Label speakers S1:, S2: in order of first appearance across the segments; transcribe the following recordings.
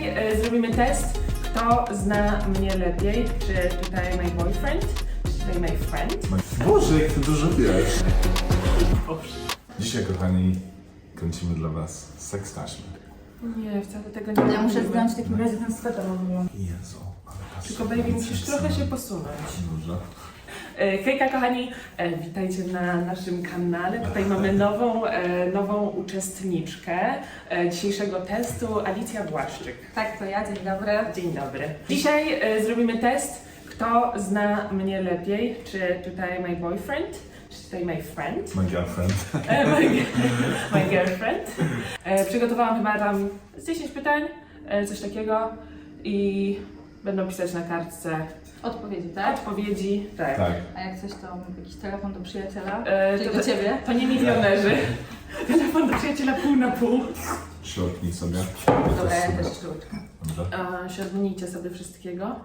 S1: zrobimy test, kto zna mnie lepiej. Czy tutaj my boyfriend, czy tutaj my friend.
S2: Boże, jak ty dużo wiesz. Dzisiaj, kochani, kręcimy dla was seks taśmy.
S1: Nie, wcale tego nie
S3: Ja muszę
S1: robimy.
S3: zdjąć w takim razie ten sweter.
S2: Jezu, ale patrz.
S1: Tylko baby, musisz trochę się posunąć.
S2: Dobrze.
S1: Hejka kochani, witajcie na naszym kanale. Tutaj mamy nową uczestniczkę dzisiejszego testu, Alicja Błaszczyk.
S3: Tak, to ja, dzień dobry.
S1: Dzień dobry. Dzisiaj zrobimy test, kto zna mnie lepiej. Czy tutaj my boyfriend, czy tutaj my friend.
S2: My girlfriend.
S1: My girlfriend. Przygotowałam chyba tam z 10 pytań, coś takiego i będą pisać na kartce
S3: Odpowiedzi, tak?
S1: odpowiedzi. Tak.
S2: Tak.
S3: A jak coś, to jakiś telefon do przyjaciela?
S1: To-
S3: Czyli do ciebie?
S1: To nie milionerzy. Telefon do przyjaciela pół na pół.
S2: Środki sobie.
S3: Dobra, ja
S2: sobie.
S3: też sztuczkę.
S2: Dobrze.
S1: Siadnijcie sobie wszystkiego.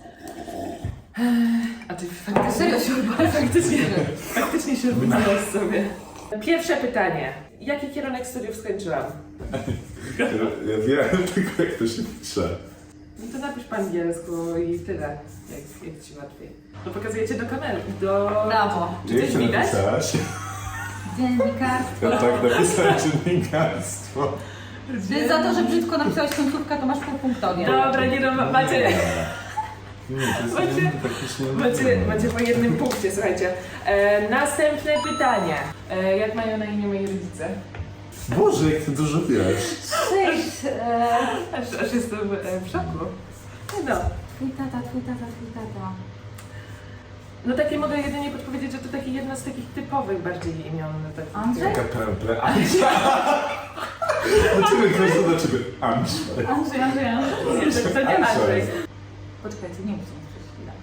S1: A ty
S3: Serio
S1: faktycznie siadnijcie sobie. Pierwsze pytanie. Jaki kierunek studiów skończyłam?
S2: Ja wiem tylko, jak to się pisze.
S1: No to napisz po angielsku i tyle, jak ci łatwiej. To pokazujecie do kamery, do...
S3: Brawo.
S1: Czy coś
S2: Jak to
S1: widać?
S2: napisałaś?
S3: Dziennikarstwo.
S2: Ja tak napisałem dziennikarstwo.
S3: Ty za to, że brzydko napisałeś końcówkę, to masz półpunktowie.
S1: Dobra, nie no, macie,
S2: Nie, to jest
S1: Macie-
S2: praktycznie...
S1: macie po jednym punkcie, słuchajcie. Następne pytanie. Jak mają na imię moi rodzice?
S2: Boże, jak ty dużo wiesz.
S3: Cześć.
S1: Aż jestem w szoku. No.
S3: Twój tata.
S1: No takie mogę jedynie podpowiedzieć, że to takie jedno z takich typowych bardziej imion.
S3: Andrzej?
S2: Taka Andrzej. Dlaczego każdy do ciebie Andrzej?
S3: Andrzej.
S1: To nie Andrzej.
S3: Poczekajcie, nie muszę przez chwilę.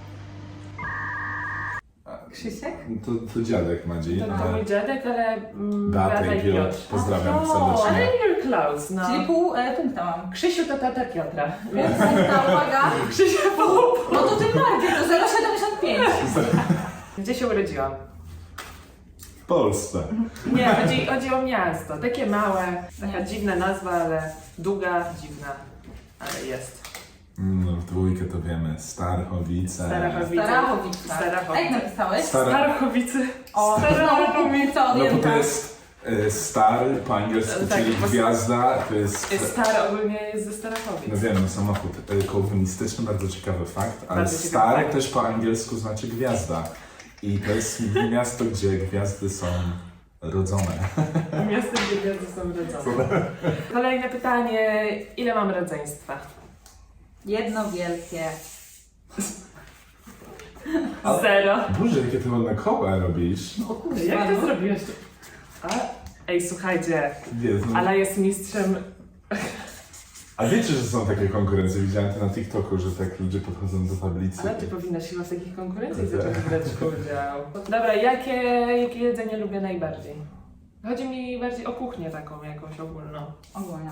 S3: Krzysiek?
S2: To dziadek Madzi.
S1: To mój dziadek, ale
S2: Beata
S1: Beata
S2: i Piotr. Pozdrawiam
S3: O,
S1: Ale
S2: serdecznie.
S1: you're close, no.
S3: Czyli pół punkta mam.
S1: Krzysiu to tata Piotra.
S3: Pół punkta, uwaga.
S1: Krzysiu pół.
S3: No to tym bardziej, to 0,75.
S1: Gdzie się urodziłam?
S2: W Polsce.
S1: Nie, chodzi o miasto. Takie małe, taka dziwna nazwa, ale długa, dziwna, ale jest.
S2: No, w dwójkę to wiemy. Starchowice.
S1: Starachowice.
S3: Starachowica.
S1: Starachowice.
S3: A jak napisałeś?
S1: Starachowice.
S3: O, znowu pół punkta
S2: No bo
S3: odjęta.
S2: to jest star po angielsku,
S1: Tak,
S2: czyli
S1: po-
S2: gwiazda. To jest...
S1: Star ogólnie jest ze Starachowic.
S2: No wiem, samochód komunistyczny, bardzo ciekawy fakt, ale
S1: Bardzo ciekawy
S2: star
S1: fakt.
S2: też po angielsku znaczy gwiazda. I to jest miasto, gdzie gwiazdy są rodzone.
S1: Miasto, gdzie gwiazdy są rodzone. Kolejne pytanie. Ile mam rodzeństwa?
S3: Jedno wielkie.
S2: Ale-
S1: 0.
S2: Boże, jakie ty ładne koła robisz.
S3: O kurwa,
S1: Jak to
S3: no.
S1: zrobiłeś? Ej, słuchajcie,
S2: Jezu.
S1: Ala jest mistrzem.
S2: A wiecie, że są takie konkurencje? Widziałem to na TikToku, że tak ludzie podchodzą do tablicy.
S1: Ale ty powinnaś chyba w takich konkurencjach
S2: Tak.
S1: zacząć brać udział. Dobra, jakie jedzenie lubię najbardziej? Chodzi mi bardziej o kuchnię taką jakąś ogólną.
S3: Ogólnie.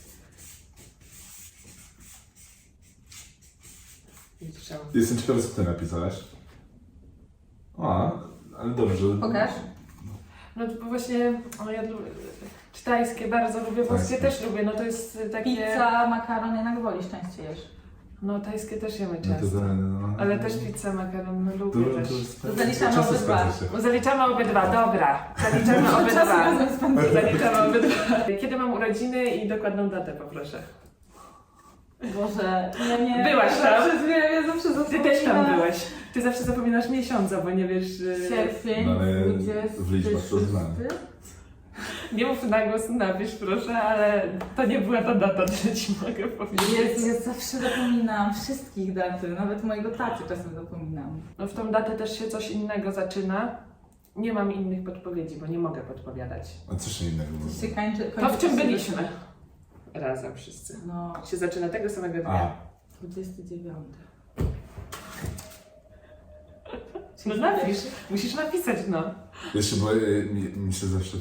S1: Mistrzem.
S2: Jestem ciekawy, co ty napisałaś. O, ale dobrze.
S3: Pokaż.
S1: No to właśnie, ja czy tajskie bardzo lubię, włoskie
S2: Tajskie.
S1: też lubię, no to jest takie...
S3: Pizza, makaron jednak wolisz częściej jesz.
S1: No tajskie też jemy
S2: No to
S1: często.
S2: no.
S1: Ale też pizzę, makaron, no lubię też.
S3: To zaliczamy
S2: często
S3: obydwa.
S2: zgadza się.
S1: Bo zaliczamy obydwa, dobra. Zaliczamy obydwa. Zaliczamy obydwa. Kiedy mam urodziny i dokładną datę poproszę.
S3: Boże, ja nie...
S1: Byłaś tam?
S3: Ja zawsze
S1: Ty
S3: zapominam.
S1: też tam byłeś. Ty zawsze zapominasz miesiąca, bo nie wiesz...
S3: Sierpień,
S2: No ale
S3: 20.
S2: w liczbach to znam.
S1: Nie mów na głos, napisz proszę, ale to nie była ta data, że ci mogę powiedzieć.
S3: Jezu, ja zawsze zapominam wszystkich daty, nawet mojego taty czasem zapominam.
S1: No w tą datę też się coś innego zaczyna. Nie mam innych podpowiedzi, bo nie mogę podpowiadać.
S2: A co się innego
S3: Się
S2: mówi?
S3: kończy,
S1: To w czym byliśmy? Razem wszyscy.
S3: No,
S1: Się zaczyna tego samego dnia.
S2: A,
S3: 29.
S1: No napisz, musisz napisać, no.
S2: jeszcze bo mi się zawsze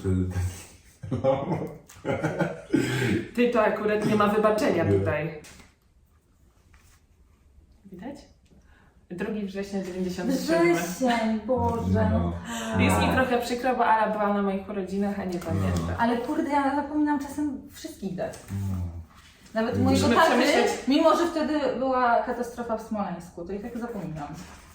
S1: Ty to akurat nie ma wybaczenia
S2: Nie.
S1: tutaj. Widać? 2 września 97.
S3: Wrzesień, Boże.
S2: No.
S1: Jest mi trochę przykro, bo Ala była na moich urodzinach, a nie pamięta.
S3: Ale kurde, ja zapominam czasem wszystkich dat. Nawet mojego
S1: Musimy
S3: taty,
S1: przemyśleć.
S3: mimo że wtedy była katastrofa w Smoleńsku, to i tak zapominam.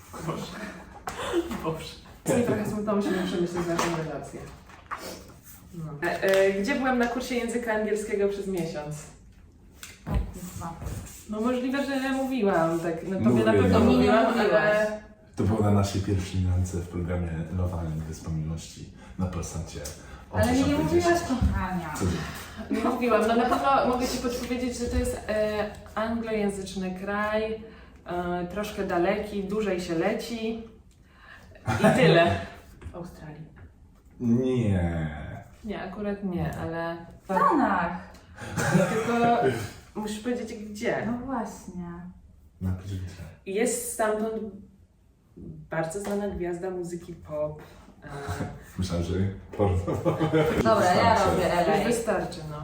S1: Boże. I trochę smutno, musimy przemyśleć naszą relację. No. Gdzie byłam na kursie języka angielskiego przez miesiąc?
S3: O kurwa.
S1: No możliwe, że mówiłam, tak. No tobie na
S2: Mówię,
S1: pewno
S2: no.
S1: mówiłam,
S3: Nie mówiłaś.
S1: ale...
S2: To było na naszej pierwszej randce w programie Love Island Wyspa Miłości na Polsacie. O
S3: Ale mi nie
S2: 10:50.
S3: mówiłaś kochania.
S2: Co ty?
S1: Nie mówiłam, no na pewno mogę Ci podpowiedzieć, że to jest anglojęzyczny kraj, troszkę daleki, dłużej się leci i tyle. W Australii.
S2: Nie.
S1: Nie, akurat nie, ale...
S3: W Stanach.
S1: Tylko musisz powiedzieć gdzie.
S3: No właśnie.
S2: Napisz gdzie.
S1: Jest stamtąd bardzo znana gwiazda muzyki pop.
S2: Myślałem, że porno.
S3: Dobra, ja robię
S1: Już
S3: LA.
S1: wystarczy, no.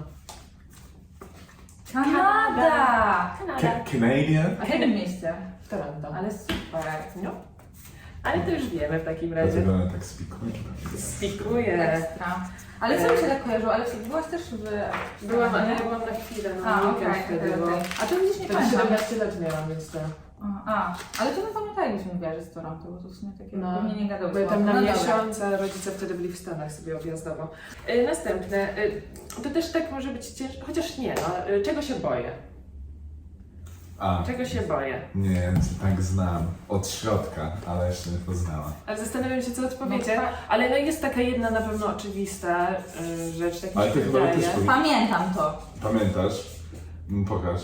S3: Kanada!
S2: Canadian?
S3: A w jakim mieście?
S1: W Toronto.
S3: Ale super.
S1: No. Ale to już wiemy w takim razie.
S2: Dlatego one tak spikują.
S1: Spikuję.
S3: Ekstra. Ale co mi się tak kojarzyło? Ale byłaś też w...
S1: Byłam, ale
S3: nie?
S1: ja byłam na chwilę,
S3: A,
S1: na
S3: okej,
S1: weekend wtedy, bo...
S3: A to gdzieś nie
S1: Wtedy
S3: pamiętam.
S1: 17 lat miałam, więc to...
S3: Ale to nie pamiętam, jakbyś mówiła, że z Toronto, bo to w sumie takie
S1: No,
S3: pewnie nie gadały.
S1: były tam na
S3: No dobra.
S1: miesiąc, a rodzice wtedy byli w Stanach sobie objazdowo. Następne, to też tak może być ciężko, chociaż nie, no, czego się boję?
S2: A,
S1: Czego się boję?
S2: nie, ja cię tak znam. Od środka, ale jeszcze nie poznała.
S1: Ale zastanawiam się, co odpowiecie,
S3: No, tak.
S1: ale no jest taka jedna na pewno oczywista rzecz, tak mi
S2: Ale
S1: się
S2: ty chyba
S1: wydaje.
S2: też powie-
S3: Pamiętam to.
S2: Pamiętasz? Pokaż.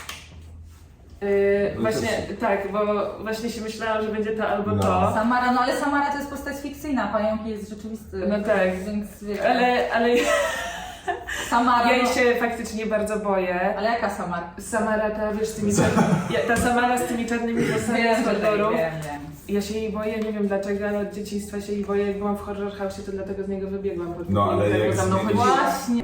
S2: No
S1: Właśnie,
S2: też-
S1: tak, bo właśnie się myślałam, że będzie to albo
S2: No.
S1: to.
S3: Samara, no ale Samara to jest postać fikcyjna, pająk jest rzeczywisty.
S1: No tak.
S3: Więc wiecie,
S1: Ale
S3: Samara,
S1: ja jej
S3: no,
S1: się faktycznie bardzo boję.
S3: ale jaka Samara?
S1: Samara ta, wiesz, z tymi ta Samara z tymi czarnymi włosami z horroru.
S3: wiem.
S1: Ja się jej boję, nie wiem dlaczego, ale od dzieciństwa się jej boję. Jak byłam w Horror House, to dlatego z niego wybiegłam. Bo
S2: No, ale
S1: tak,
S2: jak
S1: bo za mną
S2: zmienisz-
S1: chodziła.
S3: Właśnie.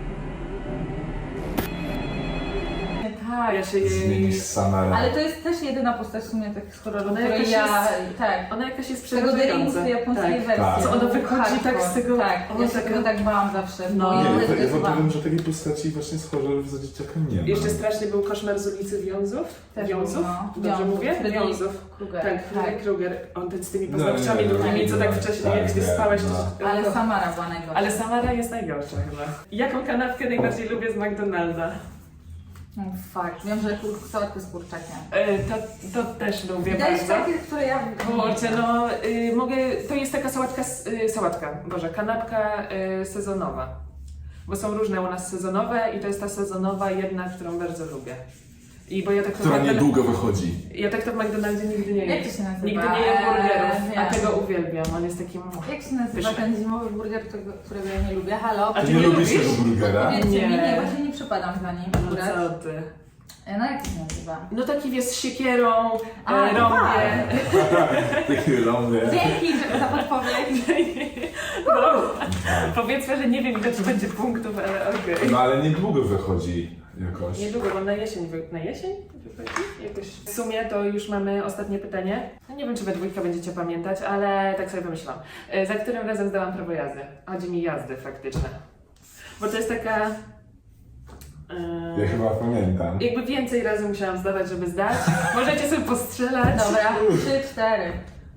S1: Tak, ja się jej...
S2: Zmienisz Samarę.
S3: Ale to jest też jedyna postać w sumie tak z horroru,
S1: Ona
S3: której
S1: jakaś
S3: ja... Tak.
S1: Ona jakaś jest
S3: Z tego
S1: przerażająca.
S3: Deringu japońskiej
S1: Tak.
S3: wersji.
S2: Tak.
S1: Co ona wychodzi
S3: Hardcore.
S1: tak z tego...
S3: Tak,
S1: ona
S3: ja się
S1: taka-
S3: tego tak bałam zawsze.
S1: No.
S3: bo
S2: Nie,
S3: ja
S2: ja
S3: też
S2: w ogóle
S3: bałam.
S2: wiem, że takiej postaci właśnie z horrorów za dzieciaka nie ma.
S1: Jeszcze strasznie był Koszmar z ulicy Wiązów.
S3: Też
S1: Wiązów?
S3: no.
S1: Dobrze mówię?
S3: Freddy
S1: Wiązów.
S3: Krueger.
S1: Tak, Freddy Krueger. On ten z tymi
S2: No,
S1: paznokciami
S2: nie,
S1: długimi, co tak
S2: nie,
S1: wcześniej,
S2: tak,
S1: jak ty
S2: nie,
S1: spałeś,
S2: no.
S1: to...
S3: Ale Samara była najgorsza.
S1: Ale Samara jest najgorsza chyba. Jaką kanapkę najbardziej lubię z McDonalda?
S3: Oh, fuck, wiem, że sałatkę z kurczakiem.
S1: To też lubię
S3: Wydaje się
S1: bardzo.
S3: takie, które ja...
S1: Kurczę, no mogę, to jest taka kanapka sezonowa. Bo są różne u nas sezonowe i to jest ta sezonowa jedna, którą bardzo lubię. I bo ja tak to
S2: Która
S1: w McDonaldzie-
S2: niedługo wychodzi.
S1: Ja tak to w McDonaldzie nigdy nie jem.
S3: Jak to się nazywa?
S1: Nigdy nie jem burgerów, a
S3: wiem.
S1: tego uwielbiam. On jest takim...
S3: Jak się nazywa
S1: Pyszne.
S3: ten zimowy burger, którego ja nie lubię? Halo?
S1: A
S2: Ty
S1: ty
S2: nie
S1: nie
S2: lubisz
S1: lubisz?
S2: tego burgera?
S3: Powiedzcie mi,
S1: Nie.
S3: nie, właśnie nie przypadam za nim
S1: No
S3: akurat.
S1: co ty?
S3: No jak to się nazywa?
S1: No taki jest z siekierą,
S3: A,
S1: rąbie.
S2: Takie rąbie.
S3: Dzięki za podpowiedź.
S1: No, powiedzmy, że nie wiem ile to będzie punktów, ale okej.
S2: No ale niedługo wychodzi jakoś.
S1: Niedługo, bo na jesień wychodzi? Jakoś. W sumie to już mamy ostatnie pytanie. No nie wiem, czy we dwójkę będziecie pamiętać, ale tak sobie wymyślałam. Za którym razem zdałam prawo jazdy? Chodzi mi jazdy faktyczne. Bo to jest taka...
S2: Ja chyba pamiętam.
S1: jakby więcej razy musiałam zdawać, żeby zdać. Możecie sobie postrzelać.
S3: Dobra, 3, 4.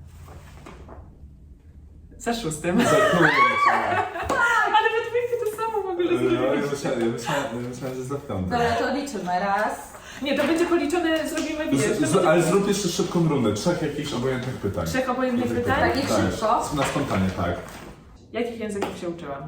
S1: Za szóstym.
S2: Za kurczę.
S1: Ale we dwójkę to samo w ogóle
S2: No,
S1: zrobić.
S2: ja myślałem, że za piątą.
S3: Dobra, to liczymy. Raz.
S1: Nie, to będzie policzone, zrobimy wiesz. to będzie
S2: Ale zrób jeszcze szybką rundę. 3 jakichś obojętnych pytań.
S1: 3 obojętnych pytań.
S3: Takich szybko?
S2: Na spontanie, tak.
S1: Jakich języków się uczyłam?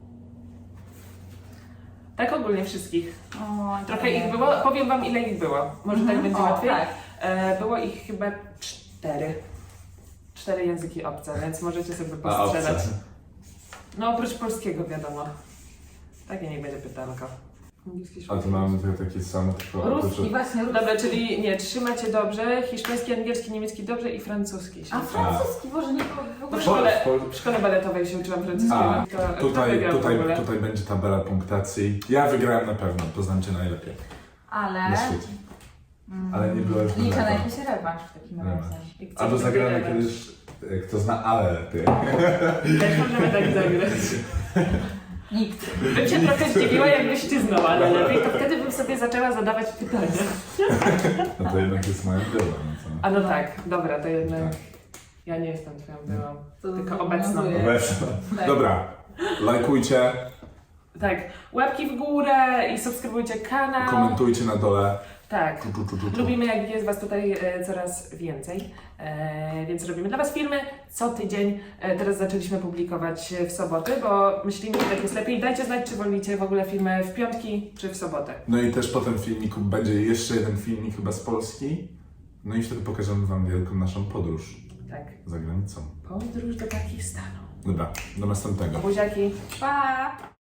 S1: Tak ogólnie wszystkich.
S3: O,
S1: Trochę
S3: nie.
S1: ich było, powiem wam ile ich było. Może tak będzie
S3: O,
S1: łatwiej.
S3: tak.
S1: Było ich chyba 4. 4 języki obce, więc możecie sobie
S2: A obce.
S1: postrzelać. No oprócz polskiego wiadomo. Takie niech będzie pytanko. Angielski,
S2: A tu mamy tutaj takie same, tylko
S3: Ruski, właśnie ruski.
S1: Dobra, czyli nie, trzymacie dobrze, hiszpański, angielski, niemiecki dobrze i francuski się
S3: A
S1: uczyłam.
S3: francuski, Boże, nie w
S1: Bo
S3: ogóle.
S1: w szkole baletowej się uczyłam francuskiego.
S2: A,
S1: To wygrał w ogóle.
S2: tutaj będzie tabela punktacji. Ja wygrałem na pewno, poznam cię najlepiej
S3: Ale...
S2: na świecie. Ale nie byłem w
S3: Liczę na
S2: baleta.
S3: jakiś rewanż w takim razie.
S1: I chcę
S2: Albo
S1: sobie
S2: zagramy
S1: wygrać.
S2: kiedyś, kto zna ale lepiej.
S1: Też możemy tak zagrać.
S3: Nikt.
S1: Bym się trochę zdziwiła, jakbyś ty znała, ale lepiej, to wtedy bym sobie zaczęła zadawać pytania.
S2: No to jednak jest moja była, no co?
S1: A no tak, dobra, to jednak
S2: Tak.
S1: ja nie jestem twoją byłą,
S3: To
S1: tylko obecną.
S3: obowiązuje.
S2: Weź.
S3: Tak.
S2: Dobra, lajkujcie,
S1: Tak, łapki w górę i subskrybujcie kanał.
S2: komentujcie na dole.
S1: Tak.
S2: Tu.
S1: Lubimy, jak jest Was tutaj coraz więcej, więc robimy dla Was filmy co tydzień. Teraz zaczęliśmy publikować w soboty, bo myślimy, że tak jest lepiej. Dajcie znać, czy wolicie w ogóle filmy w piątki, czy w sobotę.
S2: No i też po tym filmiku będzie jeszcze jeden filmik chyba z Polski. No i wtedy pokażemy Wam wielką naszą podróż
S1: Tak.
S2: za granicą.
S1: Podróż do Pakistanu.
S2: Dobra, do następnego.
S1: Buziaki.
S3: Pa!